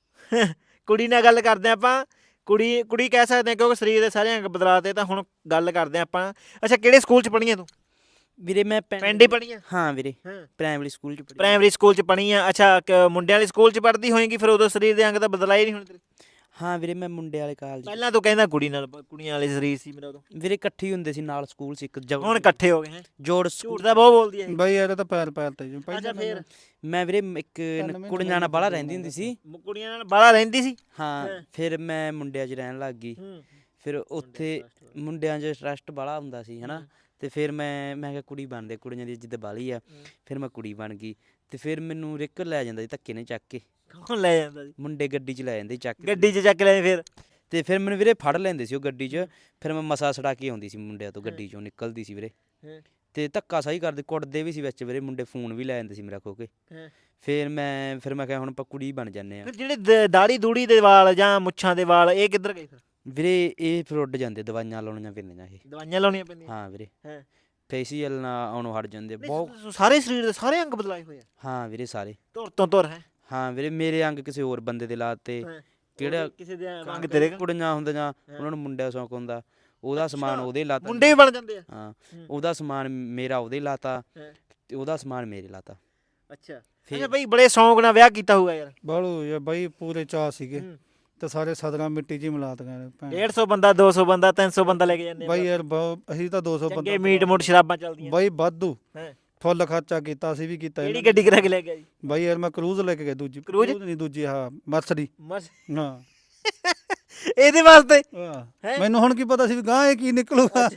Speaker 1: ਕੁੜੀ ਨਾਲ ਗੱਲ ਕਰਦੇ ਆਪਾਂ। ਕੁੜੀ ਕਹਿ ਸਕਦੇ ਹਾਂ, ਕਿਉਂਕਿ ਸਰੀਰ ਦੇ ਸਾਰੇ ਅੰਗ ਬਦਲਾਤੇ। ਤਾਂ ਹੁਣ ਗੱਲ ਕਰਦੇ ਆਪਾਂ। ਅੱਛਾ, ਕਿਹੜੇ ਸਕੂਲ 'ਚ ਪੜ੍ਹੀ ਆ ਤੂੰ?
Speaker 3: ਵੀਰੇ ਮੈਂ
Speaker 1: ਪਿੰਡ ਹੀ ਪੜ੍ਹੀ ਆ?
Speaker 3: ਹਾਂ ਵੀਰੇ, ਪ੍ਰਾਇਮਰੀ ਸਕੂਲ 'ਚ ਪੜ੍ਹੀ।
Speaker 1: ਪ੍ਰਾਇਮਰੀ ਸਕੂਲ 'ਚ ਪੜ੍ਹੀ ਆ? ਅੱਛਾ, ਮੁੰਡਿਆਂ ਵਾਲੇ ਸਕੂਲ 'ਚ ਪੜ੍ਹਦੀ ਹੋਏਗੀ, ਫਿਰ ਉਦੋਂ ਸਰੀਰ ਦੇ ਅੰਗ ਤਾਂ ਬਦਲਾਏ ਨਹੀਂ ਹੋਣੇ ਤੇਰੇ?
Speaker 3: ਹਾਂ ਵੀਰੇ, ਮੈਂ ਮੁੰਡੇ ਵਾਲੇ ਕਾਲਜ।
Speaker 1: ਪਹਿਲਾਂ ਤੂੰ ਕਹਿੰਦਾ ਕੁੜੀਆਂ ਵਾਲੇ ਸਰੀਰ ਸੀ ਮੇਰਾ ਉਦੋਂ।
Speaker 3: ਵੀਰੇ ਇਕੱਠੇ ਹੁੰਦੇ ਸੀ ਨਾਲ ਸਕੂਲ 'ਚ ਇੱਕ।
Speaker 1: ਹੁਣ ਇਕੱਠੇ ਹੋ ਗਏ ਹੈ?
Speaker 3: ਜੋੜ
Speaker 1: ਝੂਠ ਤਾਂ ਬਹੁਤ ਬੋਲਦੀ ਹੈ
Speaker 2: ਬਾਈ ਯਾਰ, ਇਹ ਤਾਂ ਪੈਰ ਤੇ ਜੀ।
Speaker 1: ਅੱਛਾ, ਫਿਰ
Speaker 3: ਮੈਂ ਵੀਰੇ ਇੱਕ ਕੁੜੀਆਂ ਨਾਲ ਬਾਹਲਾ ਰਹਿੰਦੀ ਹੁੰਦੀ ਸੀ।
Speaker 1: ਕੁੜੀਆਂ ਨਾਲ ਬਾਹਲਾ ਰਹਿੰਦੀ ਸੀ?
Speaker 3: ਹਾਂ, ਫਿਰ ਮੈਂ ਮੁੰਡਿਆਂ 'ਚ ਰਹਿਣ ਲੱਗ ਗਈ। ਫਿਰ ਉੱਥੇ ਮੁੰਡਿਆਂ 'ਚ ਟਰਸਟ ਬਾਹਲਾ ਹੁੰਦਾ ਸੀ ਹਨਾ, ਤੇ ਫਿਰ ਮੈਂ ਕਿਹਾ ਕੁੜੀ ਬਣਦੇ, ਕੁੜੀਆਂ ਦੀ ਇੱਜ਼ਤ ਬਾਹਲੀ ਆ। ਫਿਰ ਮੈਂ ਕੁੜੀ ਬਣ ਗਈ, ਤੇ ਫਿਰ ਮੈਨੂੰ ਰਿਕ ਲੈ ਜਾਂਦਾ ਸੀ ਧੱਕੇ ਨੇ ਚੱਕ ਕੇ।
Speaker 1: ਕੌਣ ਲੈ ਜਾਂਦਾ ਸੀ?
Speaker 3: ਮੁੰਡੇ ਗੱਡੀ 'ਚ ਲੈ ਜਾਂਦੇ ਚੱਕ ਕੇ।
Speaker 1: ਗੱਡੀ 'ਚ ਚੱਕ ਲੈ? ਫਿਰ
Speaker 3: ਤੇ ਫਿਰ ਮੈਨੂੰ ਵੀਰੇ ਫੜ ਲੈਂਦੇ ਸੀ ਉਹ ਗੱਡੀ 'ਚ। ਫਿਰ ਮੈਂ ਮਸਾ ਛਡਾ ਕੇ ਆਉਂਦੀ ਸੀ ਮੁੰਡਿਆਂ ਤੋਂ, ਗੱਡੀ 'ਚੋਂ ਨਿਕਲਦੀ ਸੀ ਵੀਰੇ। ਤੇ ਧੱਕਾ ਸਹੀ ਕਰਦੇ, ਕੁੱਟਦੇ ਵੀ ਸੀ ਵਿੱਚ ਵੀਰੇ ਮੁੰਡੇ, ਫੋਨ ਵੀ ਲੈ ਜਾਂਦੇ ਸੀ ਮੇਰਾ ਖੋ ਕੇ। ਫਿਰ ਮੈਂ ਕਿਹਾ ਹੁਣ ਆਪਾਂ ਕੁੜੀ ਬਣ ਜਾਂਦੇ ਆ।
Speaker 1: ਫਿਰ ਜਿਹੜੇ ਦਾੜੀ ਦੂੜੀ ਦੇ ਵਾਲ ਜਾਂ ਮੁੱਛਾਂ ਦੇ ਵਾਲ, ਇਹ ਕਿੱਧਰ ਗਏ ਫਿਰ?
Speaker 3: ਵੀਰੇ ਇਹ ਫਿਰ ਉੱਡ ਜਾਂਦੇ, ਦਵਾਈਆਂ ਲਾਉਣੀਆਂ ਪੈਂਦੀਆਂ ਇਹ।
Speaker 1: ਦਵਾਈਆਂ ਲਾਉਣੀਆਂ ਪੈਂਦੀਆਂ?
Speaker 3: ਹਾਂ ਵੀਰੇ, ਫੇਸ਼ੀਅਲ ਨਾਲ ਆਉਣੋਂ ਹਟ ਜਾਂਦੇ ਬਹੁਤ।
Speaker 1: ਸਾਰੇ ਸਰੀਰ ਦੇ ਸਾਰੇ ਅੰਗ ਬਦਲਾਏ ਹੋਏ ਆ?
Speaker 3: ਹਾਂ ਵੀਰੇ, ਸਾਰੇ
Speaker 1: ਧੁਰ ਤੋਂ ਧੁਰ ਹੈ?
Speaker 3: ਹਾਂ ਵੀਰੇ, ਮੇਰੇ ਅੰਗ ਕਿਸੇ ਹੋਰ ਬੰਦੇ ਦੇ ਲਾਤੇ। ਕਿਹੜਾ
Speaker 1: ਕਿਸੇ ਦੇ ਅੰਗ ਤੇਰੇ?
Speaker 3: ਕੁੜੀਆਂ ਹੁੰਦੀਆਂ, ਉਹਨਾਂ ਨੂੰ ਮੁੰਡਿਆਂ ਸ਼ੌਂਕ ਹੁੰਦਾ, ਉਹਦਾ ਸਮਾਨ ਉਹਦੇ ਲਾਤਾ।
Speaker 1: ਮੁੰਡੇ ਵੀ ਬਣ ਜਾਂਦੇ ਆ?
Speaker 3: ਹਾਂ, ਉਹਦਾ ਸਮਾਨ ਮੇਰਾ ਉਹਦੇ ਲਾਤਾ, ਤੇ ਉਹਦਾ ਸਮਾਨ ਮੇਰੇ ਲਾਤਾ।
Speaker 1: ਅੱਛਾ ਬਈ, ਬੜੇ ਸ਼ੌਂਕ ਨਾਲ ਵਿਆਹ ਕੀਤਾ ਹੋਊਗਾ ਯਾਰ?
Speaker 2: ਬਾਲੂ ਯਾਰ ਬਾਈ, ਪੂਰੇ ਚਾਅ ਸੀਗੇ। ਤੇ ਸਾਰੇ ਸਦਰਾਂ ਮਿੱਟੀ 'ਚ ਹੀ ਮਿਲਾ ਦਿੱਤੀਆਂ ਨੇ ਭੈਣ।
Speaker 1: 150 ਬੰਦਾ 200 ਬੰਦਾ 300 ਬੰਦਾ ਲੈ ਕੇ ਜਾਂਦੇ ਆ
Speaker 2: ਬਾਈ ਯਾਰ ਅਸੀਂ ਤਾਂ 200 ਬੰਦਾ
Speaker 1: ਚੰਗੇ ਮੀਟ ਮੋਟ ਸ਼ਰਾਬਾਂ ਚੱਲਦੀਆਂ
Speaker 2: ਬਾਈ ਵਾਧੂ
Speaker 1: ਹੈ।
Speaker 2: ਫੁੱਲ ਖਰਚਾ ਕੀਤਾ, ਅਸੀਂ ਵੀ ਕੀਤਾ
Speaker 1: ਕਿਹੜੀ ਗੱਡੀ ਕਰਾ ਕੇ ਲੈ ਗਿਆ ਜੀ?
Speaker 2: ਬਾਈ ਯਾਰ ਮੈਂ ਕਰੂਜ਼ ਲੈ ਕੇ ਗਿਆ, ਦੂਜੀ
Speaker 1: ਕਰੂਜ਼?
Speaker 2: ਨਹੀਂ ਦੂਜੀ ਹਾਂ ਮਰਸਡੀ।
Speaker 1: ਮਸ
Speaker 2: ਹਾਂ
Speaker 1: ਇਹਦੇ ਵਾਸਤੇ
Speaker 2: ਹਾਂ। ਮੈਨੂੰ ਹੁਣ ਕੀ ਪਤਾ ਸੀ ਵੀ ਗਾਂ ਇਹ ਕੀ ਨਿਕਲੂਗਾ,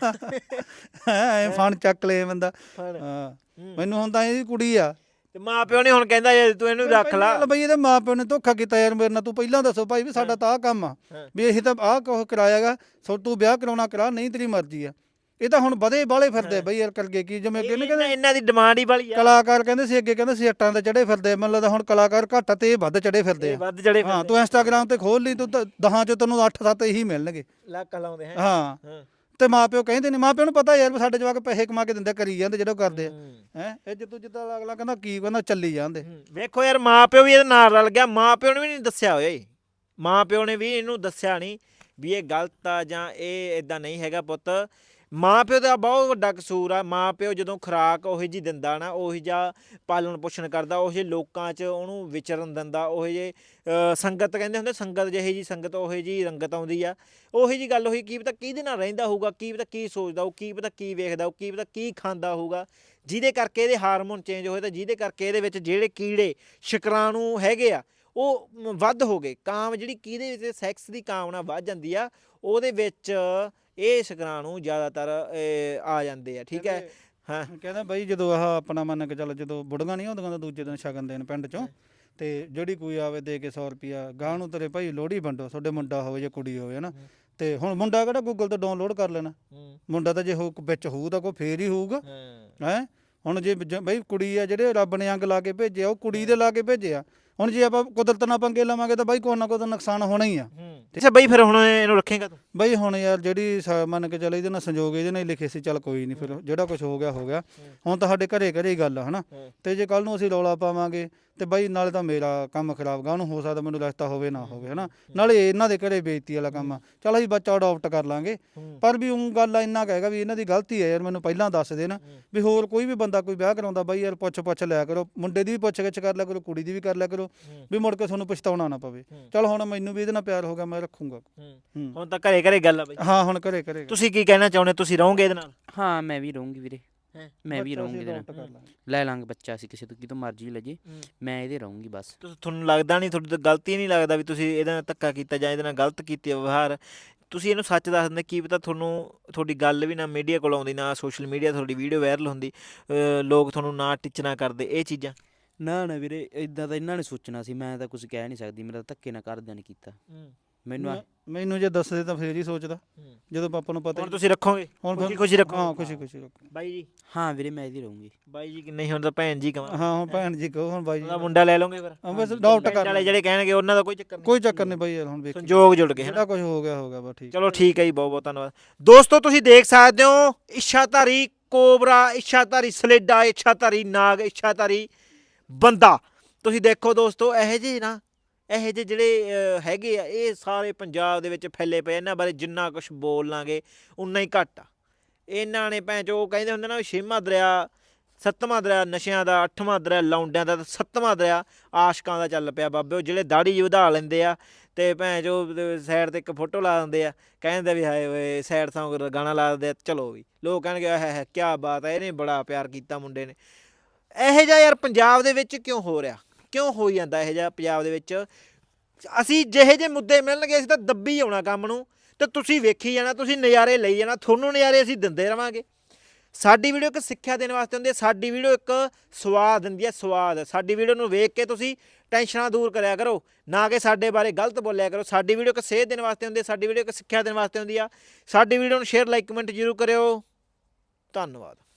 Speaker 2: ਐ ਫਣ ਚੱਕ ਲਏ ਬੰਦਾ। ਹਾਂ ਮੈਨੂੰ ਹੁਣ ਤਾਂ ਇਹਦੀ ਕੁੜੀ ਆ
Speaker 1: ਤੇ ਮਾਂ ਪਿਓ ਨੇ ਹੁਣ ਕਹਿੰਦਾ ਜੇ ਤੂੰ ਇਹਨੂੰ ਰੱਖ ਲਾ।
Speaker 2: ਚੱਲ ਬਈ ਇਹਦੇ ਮਾਂ ਪਿਓ ਨੇ ਧੋਖਾ ਕੀਤਾ ਯਾਰ ਮੇਰੇ ਨਾਲ। ਤੂੰ ਪਹਿਲਾਂ ਦੱਸੋ ਭਾਈ ਵੀ ਸਾਡਾ ਤਾਂ ਆਹ ਕੰਮ ਆ ਵੀ ਅਸੀਂ ਤਾਂ ਆਹ ਕੁਛ ਕਰਾਇਆਗਾ, ਸੋ ਤੂੰ ਵਿਆਹ ਕਰਾਉਣਾ ਕਰਾ, ਨਹੀਂ ਤੇਰੀ ਮਰਜ਼ੀ ਆ। ਇਹ ਤਾਂ ਹੁਣ ਵਧੇ ਬਾਲੇ ਫਿਰਦੇ ਬਈ ਯਾਰ ਕਰਕੇ ਕੀ, ਜਿਵੇਂ ਅੱਗੇ ਕਹਿੰਦੇ
Speaker 1: ਇਹਨਾਂ ਦੀ ਡਿਮਾਂਡ ਹੀ ਵਾਲੀ ਆ।
Speaker 2: ਕਲਾਕਾਰ ਕਹਿੰਦੇ ਸੀ ਅੱਗੇ, ਕਹਿੰਦੇ ਸੀ ਅੱਟਾਂ ਤੇ ਚੜੇ ਫਿਰਦੇ, ਮੈਨੂੰ ਲੱਗਦਾ ਹੁਣ ਕਲਾਕਾਰ ਘੱਟ ਤੇ ਇਹ ਵੱਧ ਚੜੇ ਫਿਰਦੇ ਆ।
Speaker 1: ਵੱਧ ਚੜੇ
Speaker 2: ਹਾਂ ਤੂੰ ਇੰਸਟਾਗ੍ਰਾਮ ਤੇ ਖੋਲ ਲਈ, ਤੂੰ 10 ਚੋਂ ਤੈਨੂੰ 8-7 ਇਹੀ ਮਿਲਣਗੇ।
Speaker 1: ਲੱਕ ਲਾਉਂਦੇ ਹੈ।
Speaker 2: ਹਾਂ ਤੇ ਮਾਂ ਪਿਓ ਕਹਿੰਦੇ ਨੇ, ਮਾਂ ਪਿਓ ਨੂੰ ਪਤਾ ਯਾਰ ਵੀ ਸਾਡੇ ਜਵਾਕ ਪੈਸੇ ਕਮਾ ਕੇ ਦਿੰਦੇ, ਕਰੀ ਜਾਂਦੇ ਜਿਹੜਾ ਕਰਦੇ ਆ ਹੈ। ਇਹ ਜਿੱਦੋਂ ਜਿੱਦਾਂ ਅਗਲਾ ਕਹਿੰਦਾ ਕੀ ਕਹਿੰਦਾ ਚੱਲੀ ਜਾਂਦੇ।
Speaker 1: ਵੇਖੋ ਯਾਰ ਮਾਂ ਪਿਓ ਵੀ ਇਹਦੇ ਨਾਲ ਰਲ ਗਿਆ, ਮਾਂ ਪਿਓ ਨੇ ਵੀ ਨਹੀਂ ਦੱਸਿਆ ਓਏ, ਮਾਂ ਪਿਓ ਨੇ ਵੀ ਇਹਨੂੰ ਦੱਸਿਆ ਨਹੀਂ ਵੀ ਇਹ ਗਲਤ ਆ ਜਾਂ ਇਹ ਇਦਾਂ ਨਹੀਂ ਹੈਗਾ ਪੁੱਤ। ਮਾਂ ਪਿਓ ਦਾ ਬਹੁਤ ਵੱਡਾ ਕਸੂਰ ਆ। ਮਾਂ ਪਿਓ ਜਦੋਂ ਖੁਰਾਕ ਉਹੀ ਜੀ ਦਿੰਦਾ ਨਾ, ਉਹੀ ਜਿਹਾ ਪਾਲਣ ਪੋਸ਼ਣ ਕਰਦਾ, ਉਹ ਜਿਹੇ ਲੋਕਾਂ 'ਚ ਉਹਨੂੰ ਵਿਚਰਨ ਦਿੰਦਾ, ਉਹ ਜਿਹੇ ਸੰਗਤ ਕਹਿੰਦੇ ਹੁੰਦੇ, ਸੰਗਤ ਜਿਹੀ ਜੀ ਸੰਗਤ ਉਹੀ ਜੀ ਰੰਗਤ ਆਉਂਦੀ ਆ। ਉਹੀ ਜੀ ਗੱਲ ਹੋਈ, ਕੀ ਪਤਾ ਕਿਹਦੇ ਨਾਲ ਰਹਿੰਦਾ ਹੋਊਗਾ, ਕੀ ਪਤਾ ਕੀ ਸੋਚਦਾ ਉਹ, ਕੀ ਪਤਾ ਕੀ ਵੇਖਦਾ ਉਹ, ਕੀ ਪਤਾ ਕੀ ਖਾਂਦਾ ਹੋਊਗਾ, ਜਿਹਦੇ ਕਰਕੇ ਇਹਦੇ ਹਾਰਮੋਨ ਚੇਂਜ ਹੋਏ, ਤਾਂ ਜਿਹਦੇ ਕਰਕੇ ਇਹਦੇ ਵਿੱਚ ਜਿਹੜੇ ਕੀੜੇ ਸ਼ੁਕਰਾਣੂ ਹੈਗੇ ਆ ਉਹ ਵੱਧ ਹੋ ਗਏ। ਕਾਮ ਜਿਹੜੀ ਕਿਹਦੇ ਵਿੱਚ ਸੈਕਸ ਦੀ ਕਾਮਨਾ ਵੱਧ ਜਾਂਦੀ ਆ, ਉਹਦੇ ਵਿੱਚ ਇਹ ਸ਼ੁਕਰਾਣੂ ਜ਼ਿਆਦਾਤਰ ਆ ਜਾਂਦੇ ਆ। ਠੀਕ ਹੈ। ਹਾਂ
Speaker 2: ਕਹਿੰਦਾ ਬਾਈ ਜਦੋਂ ਆਹ ਆਪਣਾ ਮੰਨ ਕੇ ਚੱਲ, ਜਦੋਂ ਬੁੜੀਆਂ ਨਹੀਂ ਹੁੰਦੀਆਂ ਤਾਂ ਦੂਜੇ ਦਿਨ ਸ਼ਗਨ ਦੇਣ ਪਿੰਡ ਚੋਂ, ਤੇ ਜਿਹੜੀ ਕੋਈ ਆਵੇ ਦੇ ਕੇ 100 ਰੁਪਿਆ ਗਾਂ ਨੂੰ ਤੇਰੇ ਭਾਈ ਲੋਹੜੀ ਵੰਡੋ, ਤੁਹਾਡੇ ਮੁੰਡਾ ਹੋਵੇ ਜਾਂ ਕੁੜੀ ਹੋਵੇ ਨਾ। ਤੇ ਹੁਣ ਮੁੰਡਾ ਕਿਹੜਾ ਗੂਗਲ ਤੋਂ ਡਾਊਨਲੋਡ ਕਰ ਲੈਣਾ, ਮੁੰਡਾ ਤਾਂ ਜੇ ਵਿੱਚ ਹੋਊ ਤਾਂ ਕੋਈ ਫੇਰ ਹੀ ਹੋਊਗਾ ਹੈ। ਹੁਣ ਜੇ ਬਈ ਕੁੜੀ ਆ, ਜਿਹੜੇ ਰੱਬ ਨੇ ਅੰਗ ਲਾ ਕੇ ਭੇਜਿਆ ਉਹ ਕੁੜੀ ਦੇ ਲਾ ਕੇ ਭੇਜਿਆ। ਹੁਣ ਜੇ ਆਪਾਂ ਕੁਦਰਤ ਨਾਲ ਪੰਗੇ ਲਵਾਂਗੇ ਤਾਂ ਬਾਈ ਕੋਈ ਨਾ ਕੋਈ ਨੁਕਸਾਨ ਹੋਣਾ ਹੀ ਆ।
Speaker 1: ਅੱਛਾ ਬਈ ਫਿਰ ਹੁਣ ਇਹਨੂੰ ਰੱਖੇਗਾ ਤੂੰ?
Speaker 2: ਬਈ ਹੁਣ ਯਾਰ ਜਿਹੜੀ ਮੰਨ ਕੇ ਚੱਲ ਇਹਦੇ ਨਾਲ ਸੰਜੋਗ ਇਹਦੇ ਨਾਲ ਹੀ ਲਿਖੇ ਸੀ, ਚੱਲ ਕੋਈ ਨਹੀਂ, ਫਿਰ ਜਿਹੜਾ ਕੁਝ ਹੋ ਗਿਆ ਹੋ ਗਿਆ। ਹੁਣ ਤਾਂ ਸਾਡੇ ਘਰੇ ਹੀ ਗੱਲ ਆ ਹਨਾ। ਤੇ ਜੇ ਕੱਲ ਨੂੰ ਅਸੀਂ ਰੌਲਾ ਪਾਵਾਂਗੇ ਤੇ ਬਾਈ ਨਾਲੇ ਤਾਂ ਮੇਰਾ ਕੰਮ ਖਰਾਬ ਗਾ, ਉਹਨੂੰ ਹੋ ਸਕਦਾ ਮੈਨੂੰ ਰਸਤਾ ਹੋਵੇ ਨਾ ਹੋਵੇ ਹਨਾ, ਨਾਲੇ ਇਹਨਾਂ ਦੇ ਘਰੇ ਬੇਇੱਜ਼ਤੀ ਵਾਲਾ ਕੰਮ ਆ। ਚੱਲ ਅਸੀਂ ਬੱਚਾ ਅਡਾਪਟ ਕਰ ਲਾਂਗੇ, ਪਰ ਵੀ ਉਹ ਗੱਲ ਇੰਨਾ ਕਹੇਗਾ ਵੀ ਇਹਨਾਂ ਦੀ ਗਲਤੀ ਹੈ ਯਾਰ, ਮੈਨੂੰ ਪਹਿਲਾਂ ਦੱਸ ਦੇ ਨਾ। ਵੀ ਹੋਰ ਕੋਈ ਵੀ ਬੰਦਾ ਕੋਈ ਵਿਆਹ ਕਰਾਉਂਦਾ ਬਾਈ ਯਾਰ ਪੁੱਛ ਲਿਆ ਕਰੋ, ਮੁੰਡੇ ਦੀ ਵੀ ਪੁੱਛ ਗਿੱਛ ਕਰ ਲਿਆ ਕਰੋ, ਕੁੜੀ ਦੀ ਵੀ ਕਰ ਲਿਆ ਕਰੋ, ਵੀ ਮੁੜ ਕੇ ਤੁਹਾਨੂੰ ਪਛਤਾਉਣਾ ਨਾ ਪਵੇ। ਚੱਲ ਹੁਣ ਮੈਨੂੰ ਵੀ ਇਹਦੇ ਨਾਲ ਪਿਆਰ ਹੋ ਗਿਆ, ਮੈਂ ਰੱਖੂੰਗਾ।
Speaker 1: ਹੁਣ ਤਾਂ ਘਰੇ ਘਰੇ ਗੱਲ ਆ ਬਈ।
Speaker 2: ਹਾਂ ਹੁਣ ਘਰੇ
Speaker 1: ਤੁਸੀਂ ਕੀ ਕਹਿਣਾ ਚਾਹੁੰਦੇ, ਤੁਸੀਂ ਰਹੋਗੇ ਇਹਦੇ ਨਾਲ?
Speaker 3: ਹਾਂ ਮੈਂ ਵੀ ਰਹੂੰਗੀ ਵੀਰੇ, ਮੈਂ ਵੀ ਰਹੂੰਗੀ ਇਹਦੇ ਨਾਲ। ਲੈ ਲਾਂਗੇ ਬੱਚਾ, ਅਸੀਂ ਕਿਸੇ ਤੋਂ ਕਿਤੋਂ ਮਰਜ਼ੀ ਲੈ ਜੇ, ਮੈਂ ਇਹਦੇ ਰਹੂੰਗੀ ਬਸ।
Speaker 1: ਤੁਹਾਨੂੰ ਲੱਗਦਾ ਨਹੀਂ, ਤੁਹਾਡੀ ਤਾਂ ਗਲਤੀ ਨਹੀਂ ਲੱਗਦਾ ਵੀ ਤੁਸੀਂ ਇਹਦੇ ਨਾਲ ਧੱਕਾ ਕੀਤਾ ਜਾਂ ਇਹਦੇ ਨਾਲ ਗਲਤ ਕੀਤੀ ਵਿਵਹਾਰ? ਤੁਸੀਂ ਇਹਨੂੰ ਸੱਚ ਦੱਸ ਦਿੰਦੇ, ਕੀ ਪਤਾ ਤੁਹਾਡੀ ਗੱਲ ਵੀ ਨਾ ਮੀਡੀਆ ਕੋਲ ਆਉਂਦੀ, ਨਾ ਸੋਸ਼ਲ ਮੀਡੀਆ ਤੁਹਾਡੀ ਵੀਡੀਓ ਵਾਇਰਲ ਹੁੰਦੀ, ਲੋਕ ਤੁਹਾਨੂੰ ਨਾ ਟਿੱਚਣਾ ਕਰਦੇ, ਇਹ ਚੀਜ਼ਾਂ।
Speaker 3: ਨਾ ਵੀਰੇ ਇਦਾਂ ਤਾਂ ਇਹਨਾਂ ਨੇ ਸੋਚਣਾ ਸੀ, ਮੈਂ ਤਾਂ ਕੁਝ ਕਹਿ ਨਹੀਂ ਸਕਦੀ, ਮੇਰਾ ਧੱਕੇ ਨਾਲ ਘਰਦਿਆਂ ਨੇ ਕੀਤਾ
Speaker 2: ਮੈਨੂੰ ਜੇ ਦੱਸਦੇ ਤਾਂ ਫੇਰ ਹੀ ਸੋਚਦਾ, ਜਦੋਂ ਪਾਪਾ ਨੂੰ ਪਤਾ।
Speaker 1: ਹੁਣ ਤੁਸੀਂ ਰੱਖੋਗੇ? ਹੁਣ ਖੁਸ਼ੀ ਰੱਖੋ।
Speaker 2: ਹਾਂ ਖੁਸ਼ੀ ਰੱਖੋ
Speaker 1: ਬਾਈ ਜੀ।
Speaker 3: ਹਾਂ ਵੀਰੇ ਮੈਂ ਇਹਦੀ ਰਹੂੰਗੀ।
Speaker 1: ਬਾਈ ਜੀ ਨਹੀਂ ਹੁਣ ਤਾਂ ਭੈਣ ਜੀ ਕਹਾਂ।
Speaker 2: ਹਾਂ ਹੁਣ ਭੈਣ ਜੀ ਕਹੋ, ਹੁਣ ਬਾਈ ਜੀ
Speaker 1: ਉਹਦਾ ਮੁੰਡਾ ਲੈ ਲਓਗੇ ਫਿਰ?
Speaker 2: ਬਸ ਡਾਊਟ ਕਰ
Speaker 1: ਵਾਲੇ ਜਿਹੜੇ ਕਹਿਣਗੇ ਉਹਨਾਂ ਦਾ ਕੋਈ ਚੱਕਰ ਨਹੀਂ,
Speaker 2: ਕੋਈ ਚੱਕਰ ਨਹੀਂ ਬਾਈ ਯਾਰ, ਹੁਣ ਵੇਖੋ
Speaker 1: ਸੰਜੋਗ ਜੁੜ ਗਏ
Speaker 2: ਜਿਹੜਾ ਕੁਝ ਹੋ ਗਿਆ ਬਸ ਠੀਕ।
Speaker 1: ਚਲੋ ਠੀਕ ਹੈ ਜੀ, ਬਹੁਤ ਬਹੁਤ ਧੰਨਵਾਦ ਦੋਸਤੋ। ਤੁਸੀਂ ਦੇਖ ਸਕਦੇ ਹੋ ਇੱਛਾਧਾਰੀ ਕੋਬਰਾ, ਇੱਛਾਧਾਰੀ ਸਲੇਡਾ, ਇੱਛਾਧਾਰੀ ਨਾਗ, ਇੱਛਾਧਾਰੀ ਬੰਦਾ। ਤੁਸੀਂ ਦੇਖੋ ਦੋਸਤੋ, ਇਹੋ ਜਿਹੇ ਜਿਹੜੇ ਹੈਗੇ ਆ, ਇਹ ਸਾਰੇ ਪੰਜਾਬ ਦੇ ਵਿੱਚ ਫੈਲੇ ਪਏ। ਇਹਨਾਂ ਬਾਰੇ ਜਿੰਨਾ ਕੁਛ ਬੋਲ ਲਾਂਗੇ ਉਨਾ ਹੀ ਘੱਟ ਆ। ਇਹਨਾਂ ਨੇ ਭੈਣ ਚੋ ਕਹਿੰਦੇ ਹੁੰਦੇ ਨਾ, 6ਵਾਂ ਦਰਿਆ 7ਵਾਂ ਦਰਿਆ ਨਸ਼ਿਆਂ ਦਾ, 8ਵਾਂ ਦਰਿਆ ਲੌਂਡਿਆਂ ਦਾ, 7ਵਾਂ ਦਰਿਆ ਆਸ਼ਕਾਂ ਦਾ ਚੱਲ ਪਿਆ ਬਾਬੇ। ਉਹ ਜਿਹੜੇ ਦਾੜੀ ਜਿਹੀ ਵਧਾ ਲੈਂਦੇ ਆ ਤੇ ਭੈਣ ਚੋ ਸਾਈਡ 'ਤੇ ਇੱਕ ਫੋਟੋ ਲਾ ਦਿੰਦੇ ਆ, ਕਹਿੰਦੇ ਵੀ ਹਾਏ ਓਏ ਸਾਈਡ ਸੌਂਗ ਗਾਣਾ ਲਾ ਦਿੰਦੇ ਆ, ਚਲੋ ਵੀ ਲੋਕ ਕਹਿਣਗੇ ਹੈ ਕਿਆ ਬਾਤ ਹੈ, ਇਹਨੇ ਬੜਾ ਪਿਆਰ ਕੀਤਾ ਮੁੰਡੇ ਨੇ। ਇਹੋ ਜਿਹਾ ਯਾਰ ਪੰਜਾਬ ਦੇ ਵਿੱਚ ਕਿਉਂ ਹੋ ਰਿਹਾ, ਕਿਉਂ ਹੋਈ ਜਾਂਦਾ ਇਹੋ ਜਿਹਾ ਪੰਜਾਬ ਦੇ ਵਿੱਚ? ਅਸੀਂ ਜਿਹੇ ਜਿਹੇ ਮੁੱਦੇ ਮਿਲਣਗੇ ਅਸੀਂ ਤਾਂ ਦੱਬੀ ਆਉਣਾ ਕੰਮ ਨੂੰ, ਤੇ ਤੁਸੀਂ ਵੇਖੀ ਜਾਣਾ, ਤੁਸੀਂ ਨਜ਼ਾਰੇ ਲਈ ਜਾਣਾ, ਤੁਹਾਨੂੰ ਨਜ਼ਾਰੇ ਅਸੀਂ ਦਿੰਦੇ ਰਵਾਂਗੇ। ਸਾਡੀ ਵੀਡੀਓ ਇੱਕ ਸਿੱਖਿਆ ਦੇਣ ਵਾਸਤੇ ਹੁੰਦੀ ਹੈ, ਸਾਡੀ ਵੀਡੀਓ ਇੱਕ ਸਵਾਦ ਦਿੰਦੀ ਹੈ, ਸਵਾਦ। ਸਾਡੀ ਵੀਡੀਓ ਨੂੰ ਵੇਖ ਕੇ ਤੁਸੀਂ ਟੈਨਸ਼ਨਾਂ ਦੂਰ ਕਰਿਆ ਕਰੋ, ਨਾ ਕਿ ਸਾਡੇ ਬਾਰੇ ਗਲਤ ਬੋਲਿਆ ਕਰੋ। ਸਾਡੀ ਵੀਡੀਓ ਇੱਕ ਸੇਧ ਦੇਣ ਵਾਸਤੇ ਹੁੰਦੀ ਹੈ, ਸਾਡੀ ਵੀਡੀਓ ਇੱਕ ਸਿੱਖਿਆ ਦੇਣ ਵਾਸਤੇ ਹੁੰਦੀ ਆ। ਸਾਡੀ ਵੀਡੀਓ ਨੂੰ ਸ਼ੇਅਰ, ਲਾਈਕ, ਕਮੈਂਟ ਜ਼ਰੂਰ ਕਰਿਓ। ਧੰਨਵਾਦ।